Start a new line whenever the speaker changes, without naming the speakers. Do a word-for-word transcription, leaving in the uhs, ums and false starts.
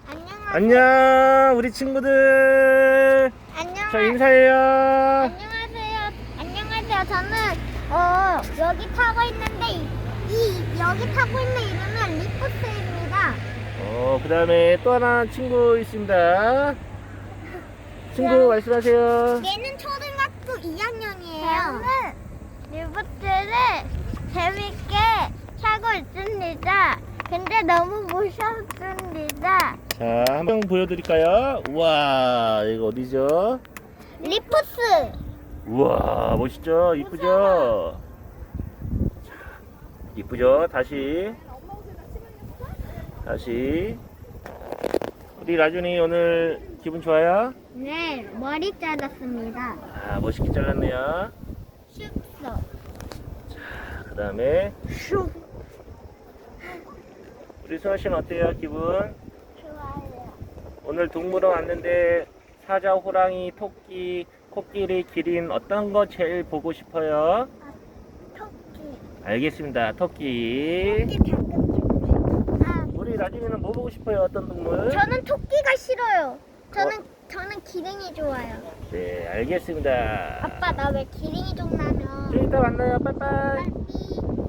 안녕하세요.
안녕 우리 친구들.
안녕.
자 인사해요.
안녕하세요. 안녕하세요. 저는 어 여기 타고 있는데 이, 이 여기 타고 있는 이름은 리포트입니다.
어 그다음에 또 하나 친구 있습니다. 친구 말씀하세요.
얘는 초등학교 이 학년이에요. 저는 리포트를 재밌게 타고 있습니다. 근데 너무 무섭습니다.
자 한번 보여드릴까요? 우와 이거 어디죠?
리포트.
우와 멋있죠? 이쁘죠? 자, 이쁘죠? 다시 다시 우리 라준이 오늘 기분 좋아요?
네, 머리 잘랐습니다.
아 멋있게 잘랐네요.
슉서.
그 다음에
슉.
우리 수아 씨는 어때요? 기분?
좋아요.
오늘 동물원 왔는데 사자, 호랑이, 토끼, 코끼리, 기린 어떤 거 제일 보고 싶어요?
토끼.
알겠습니다. 토끼.
토끼 방금 좀. 아,
우리 라준이는 뭐 보고 싶어요? 어떤 동물?
저는 토끼가 싫어요. 저는 저는 기린이 좋아요.
네, 알겠습니다.
아빠 나 왜 기린이 좀 나면?
좀 이따 만나요. 빠이빠이.
빨리.